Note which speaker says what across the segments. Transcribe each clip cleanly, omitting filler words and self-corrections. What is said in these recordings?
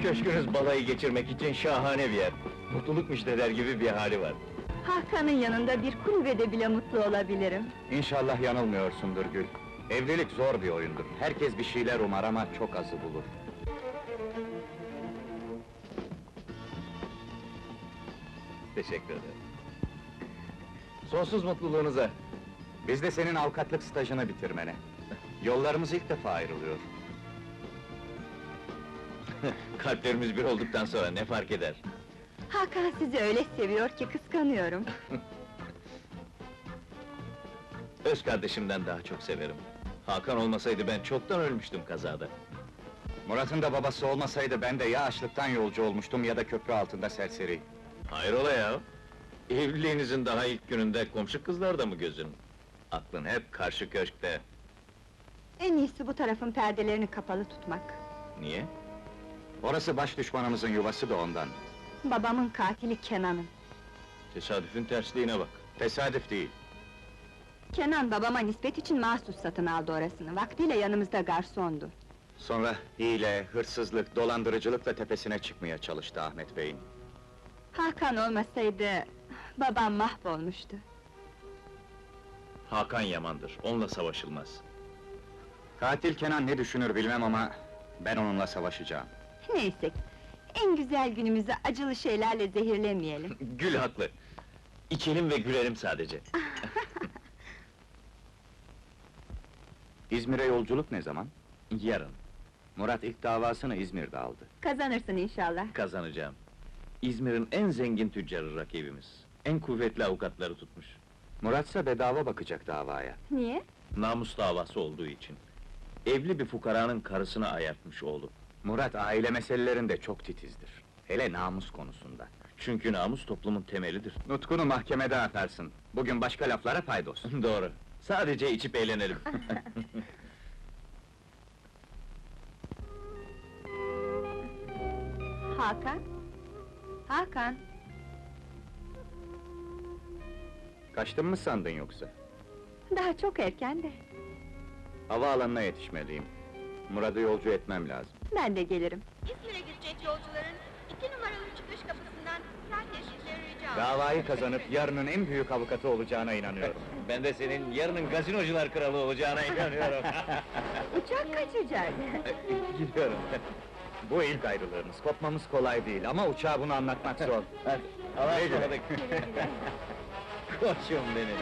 Speaker 1: Köşkünüz balayı geçirmek için şahane bir yer. Mutluluk müjdeler gibi bir hali var.
Speaker 2: Hakan'ın yanında bir kulübede bile mutlu olabilirim.
Speaker 3: İnşallah yanılmıyorsundur Gül. Evlilik zor bir oyundur. Herkes bir şeyler umar ama çok azı bulur.
Speaker 1: Teşekkür ederim. Sonsuz mutluluğunuza.
Speaker 3: Biz de senin avukatlık stajını bitirmene. Yollarımız ilk defa ayrılıyor.
Speaker 1: Kalplerimiz bir olduktan sonra ne fark eder?
Speaker 2: Hakan sizi öyle seviyor ki kıskanıyorum.
Speaker 1: Öz kardeşimden daha çok severim. Hakan olmasaydı ben çoktan ölmüştüm kazada.
Speaker 3: Murat'ın da babası olmasaydı ben de ya açlıktan yolcu olmuştum ya da köprü altında serseri.
Speaker 1: Hayrola ya? Evliliğinizin daha ilk gününde komşu kızlarda mı gözün? Aklın hep karşı köşkte.
Speaker 2: En iyisi bu tarafın perdelerini kapalı tutmak.
Speaker 1: Niye?
Speaker 3: Orası baş düşmanımızın yuvası da ondan.
Speaker 2: Babamın katili Kenan'ım.
Speaker 1: Tesadüfün tersliğine bak.
Speaker 3: Tesadüf değil.
Speaker 2: Kenan babama nispet için mahsus satın aldı orasını. Vaktiyle yanımızda garsondu.
Speaker 3: Sonra hile, hırsızlık, dolandırıcılıkla tepesine çıkmaya çalıştı Ahmet Bey'in.
Speaker 2: Hakan olmasaydı babam mahvolmuştu.
Speaker 1: Hakan yamandır, onunla savaşılmaz.
Speaker 3: Katil Kenan ne düşünür bilmem ama ben onunla savaşacağım.
Speaker 2: Neyse, en güzel günümüzü acılı şeylerle zehirlemeyelim.
Speaker 1: Gül haklı. İçelim ve gülerim sadece.
Speaker 3: İzmir'e yolculuk ne zaman?
Speaker 1: Yarın
Speaker 3: Murat ilk davasını İzmir'de aldı.
Speaker 2: Kazanırsın inşallah.
Speaker 1: kazanacağım. İzmir'in en zengin tüccarı rakibimiz. En kuvvetli avukatları tutmuş.
Speaker 3: Muratsa bedava bakacak davaya.
Speaker 2: Niye?
Speaker 1: Namus davası olduğu için. Evli bir fukaranın karısını ayartmış oğlu.
Speaker 3: Murat aile meselelerinde çok titizdir. Hele namus konusunda.
Speaker 1: Çünkü namus toplumun temelidir.
Speaker 3: Nutkunu mahkemede atarsın. Bugün başka laflara paydos.
Speaker 1: Doğru. Sadece içip eğlenelim.
Speaker 2: Hakan? Hakan?
Speaker 3: Kaçtın mı sandın yoksa?
Speaker 2: Daha çok erken de.
Speaker 3: Havaalanına yetişmeliyim. Murat'ı yolcu etmem lazım.
Speaker 2: Ben de gelirim.
Speaker 4: İzmir'e gidecek yolcuların 2 numaralı çıkış kapısından sağ geçişleri rica ederim.
Speaker 3: Davayı kazanıp yarının en büyük avukatı olacağına inanıyorum.
Speaker 1: Ben de senin yarının gazinocular kralı olacağına inanıyorum.
Speaker 2: Uçak kaçacak.
Speaker 1: Gidiyorum.
Speaker 3: Bu ilk ayrılığımız, kopmamız kolay değil ama uçağa bunu anlatmak zor.
Speaker 1: Hadi, Allah'a
Speaker 3: Güle güle.
Speaker 1: ısmarladık. Koçum benim.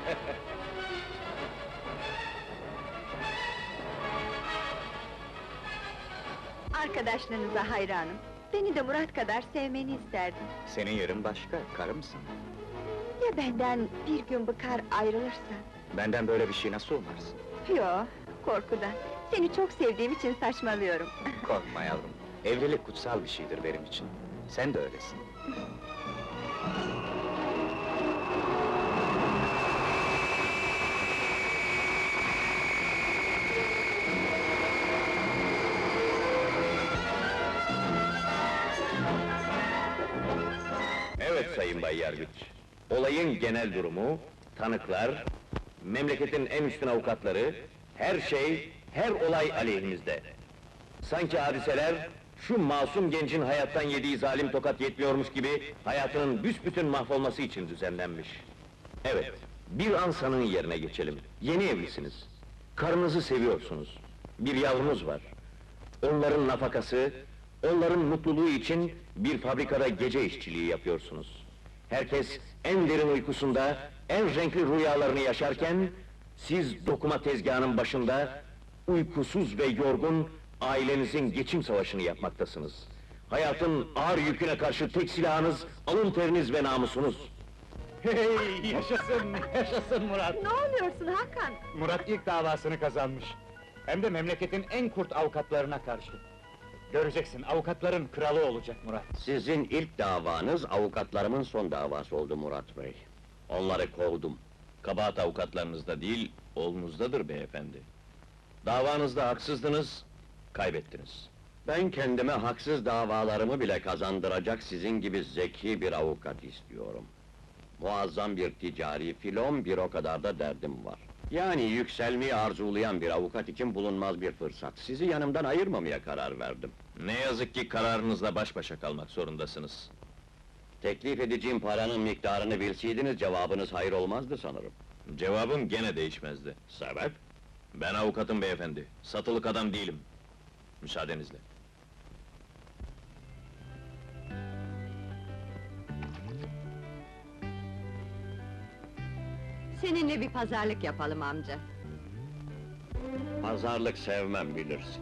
Speaker 2: Arkadaşlarınıza hayranım. Beni de Murat kadar sevmeni isterdim.
Speaker 3: Senin yerin başka, karımsın.
Speaker 2: Ya benden bir gün bıkar ayrılırsan?
Speaker 3: Benden böyle bir şey nasıl umarsın?
Speaker 2: Yo, korkudan. Seni çok sevdiğim için saçmalıyorum.
Speaker 3: Korkma yavrum, evlilik kutsal bir şeydir benim için. Sen de öylesin.
Speaker 1: Evet Sayın Bay Yargıç. Olayın genel durumu, tanıklar, memleketin en üstün avukatları, her şey, her olay aleyhimizde. Sanki hadiseler, şu masum gencin hayattan yediği zalim tokat yetmiyormuş gibi, hayatının büsbütün mahvolması için düzenlenmiş. Evet, bir an sanığın yerine geçelim. Yeni evlisiniz. Karınızı seviyorsunuz. Bir yavrunuz var. Onların nafakası, onların mutluluğu için bir fabrikada gece işçiliği yapıyorsunuz. Herkes en derin uykusunda, en renkli rüyalarını yaşarken, siz dokuma tezgahının başında, uykusuz ve yorgun, ailenizin geçim savaşını yapmaktasınız. Hayatın ağır yüküne karşı tek silahınız, alın teriniz ve namusunuz.
Speaker 3: Hey, yaşasın, yaşasın Murat!
Speaker 2: Ne oluyorsun Hakan?
Speaker 3: Murat ilk davasını kazanmış. Hem de memleketin en kurt avukatlarına karşı. Göreceksin, avukatların kralı olacak Murat.
Speaker 5: Sizin ilk davanız, avukatlarımın son davası oldu Murat Bey. Onları kovdum.
Speaker 1: Kabahat avukatlarınızda değil, oğlunuzdadır beyefendi. Davanızda haksızdınız, kaybettiniz.
Speaker 5: Ben kendime haksız davalarımı bile kazandıracak sizin gibi zeki bir avukat istiyorum. Muazzam bir ticari filon, bir o kadar da derdim var. Yani yükselmeyi arzulayan bir avukat için bulunmaz bir fırsat. Sizi yanımdan ayırmamaya karar verdim.
Speaker 1: Ne yazık ki kararınızla baş başa kalmak zorundasınız.
Speaker 5: Teklif edeceğim paranın miktarını bilseydiniz cevabınız hayır olmazdı sanırım.
Speaker 1: Cevabım gene değişmezdi.
Speaker 5: Sebep?
Speaker 1: Ben avukatım beyefendi, satılık adam değilim. Müsaadenizle.
Speaker 2: Seninle bir pazarlık yapalım amca.
Speaker 5: Pazarlık sevmem bilirsin.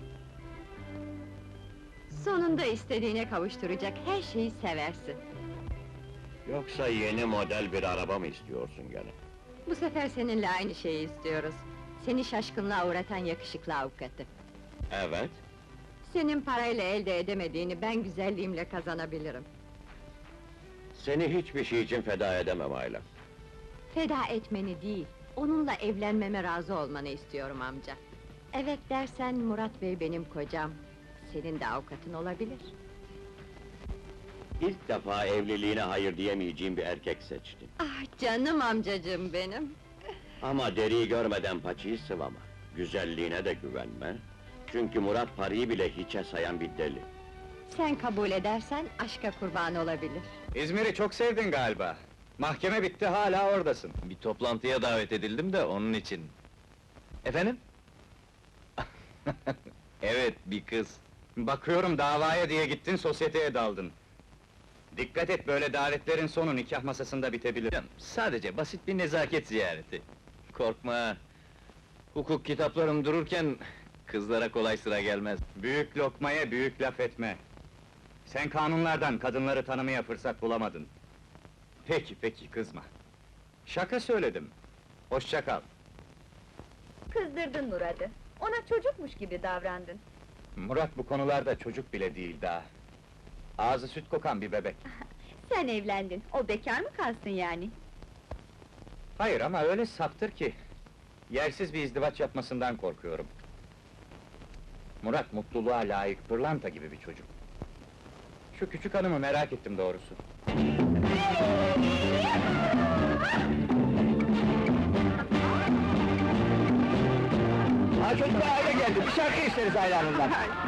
Speaker 2: Sonunda istediğine kavuşturacak her şeyi seversin.
Speaker 5: Yoksa yeni model bir araba mı istiyorsun gene?
Speaker 2: Bu sefer seninle aynı şeyi istiyoruz. Seni şaşkınlığa uğratan yakışıklı avukatı.
Speaker 5: Evet.
Speaker 2: Senin parayla elde edemediğini ben güzelliğimle kazanabilirim.
Speaker 5: Seni hiçbir şey için feda edemem Ayla.
Speaker 2: Feda etmeni değil, onunla evlenmeme razı olmanı istiyorum amca. Evet dersen Murat Bey benim kocam, senin de avukatın olabilir.
Speaker 5: İlk defa evliliğine hayır diyemeyeceğim bir erkek seçtim.
Speaker 2: Ah canım amcacığım benim!
Speaker 5: Ama deriyi görmeden paçayı sıvama. Güzelliğine de güvenme. Çünkü Murat parayı bile hiçe sayan bir deli.
Speaker 2: Sen kabul edersen aşka kurban olabilir.
Speaker 3: İzmir'i çok sevdin galiba. Mahkeme bitti, hala oradasın.
Speaker 1: Bir toplantıya davet edildim de onun için. Efendim? Evet, bir kız.
Speaker 3: Bakıyorum davaya diye gittin, sosyeteye daldın. Dikkat et, böyle davetlerin sonu nikah masasında bitebilir.
Speaker 1: Canım, sadece basit bir nezaket ziyareti. Korkma! Hukuk kitaplarım dururken, kızlara kolay sıra gelmez.
Speaker 3: Büyük lokmaya büyük laf etme. Sen kanunlardan kadınları tanımaya fırsat bulamadın. Peki, kızma. Şaka söyledim. Hoşça kal.
Speaker 4: Kızdırdın Murat'ı. Ona çocukmuş gibi davrandın.
Speaker 3: Murat bu konularda çocuk bile değil daha. Ağzı süt kokan bir bebek.
Speaker 2: Sen evlendin, o bekar mı kalsın yani?
Speaker 3: Hayır ama öyle saptır ki... Yersiz bir izdivaç yapmasından korkuyorum. Murat mutluluğa layık, pırlanta gibi bir çocuk. Şu küçük hanımı merak ettim doğrusu.
Speaker 6: Ha çocuklar aile geldi, bir şarkı isteriz hayranından.